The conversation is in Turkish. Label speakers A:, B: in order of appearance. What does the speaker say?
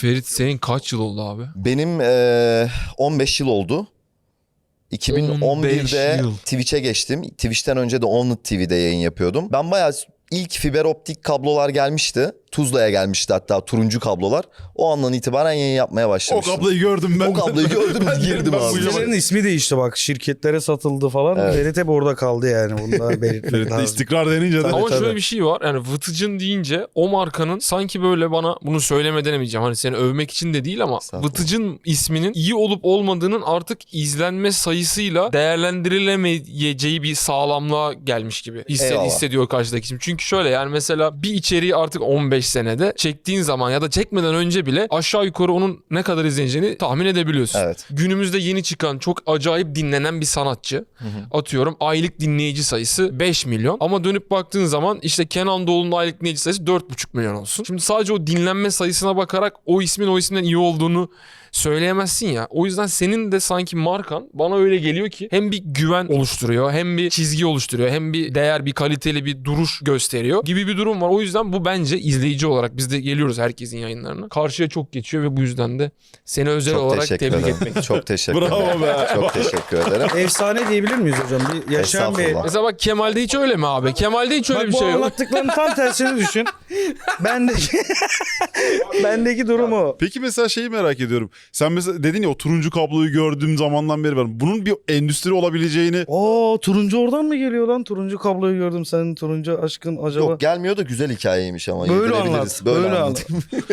A: Ferit senin kaç yıl oldu abi?
B: Benim 15 yıl oldu. 2011'de
A: 15 yıl.
B: Twitch'e geçtim. Twitch'ten önce de Onlit TV'de yayın yapıyordum. Ben bayağı ilk fiber optik kablolar gelmişti. Tuzla'ya gelmişti hatta turuncu kablolar. O andan itibaren yayın yapmaya
C: O
B: başlamıştım.
C: kabloyu gördüm ben.
B: O kabloyu gördüm, girdim abi.
D: Sitelerin ismi değişti bak. Şirketlere satıldı falan.
B: Evet.
D: Ferit hep orada kaldı yani. Bunlar belirtmek
C: Ferit'te
D: lazım.
C: istikrar denince de.
A: Ama
D: tabii.
A: şöyle bir şey var. Yani Vıtıcın deyince o markanın sanki böyle bana bunu söylemeden demeyeceğim. Hani seni övmek için de değil ama
B: Estağfurullah.
A: Vıtıcın isminin iyi olup olmadığının artık izlenme sayısıyla değerlendirilemeyeceği bir sağlamlığa gelmiş gibi
B: Eyvallah.
A: hissediyor karşıdaki isim. Çünkü şöyle yani mesela bir içeriği artık 15 senede çektiğin zaman ya da çekmeden önce bile aşağı yukarı onun ne kadar izleneceğini tahmin edebiliyorsun.
B: Evet.
A: Günümüzde yeni çıkan çok acayip dinlenen bir sanatçı. Atıyorum aylık dinleyici sayısı 5 milyon. Ama dönüp baktığın zaman işte Kenan Doğulu'nun aylık dinleyici sayısı 4,5 milyon olsun. Şimdi sadece o dinlenme sayısına bakarak o ismin o isimden iyi olduğunu söyleyemezsin ya. O yüzden senin de sanki markan bana öyle geliyor ki hem bir güven oluşturuyor, hem bir çizgi oluşturuyor, hem bir değer, bir kaliteli bir duruş gösteriyor gibi bir durum var. O yüzden bu bence izleyici olarak biz de geliyoruz herkesin yayınlarına. Karşıya çok geçiyor ve bu yüzden de seni özel
B: Çok
A: olarak
B: teşekkür
A: tebrik
B: ederim.
A: etmek.
B: Çok teşekkür
C: Bravo
B: ederim.
C: be.
B: Çok teşekkür ederim.
D: Efsane diyebilir miyiz hocam? Bir yaşayan bir...
B: Estağfurullah.
A: Mesela bak Kemal'de hiç öyle mi abi? Kemal'de hiç öyle
D: Bak
A: bir
D: bu
A: şey yok.
D: anlattıklarının tam tersini düşün. Bendeki durum o.
C: Peki mesela şeyi merak ediyorum. Sen mesela dedin ya o turuncu kabloyu gördüğüm zamandan beri var. Bunun bir endüstri olabileceğini...
D: Turuncu oradan mı geliyor lan? Turuncu kabloyu gördüm. Senin turuncu aşkın acaba?
B: Yok gelmiyor da güzel hikayeymiş ama.
D: Böyle
B: yedirebiliriz.
D: anlat.
B: Böyle
D: Böyle
B: anlat.
D: anlat.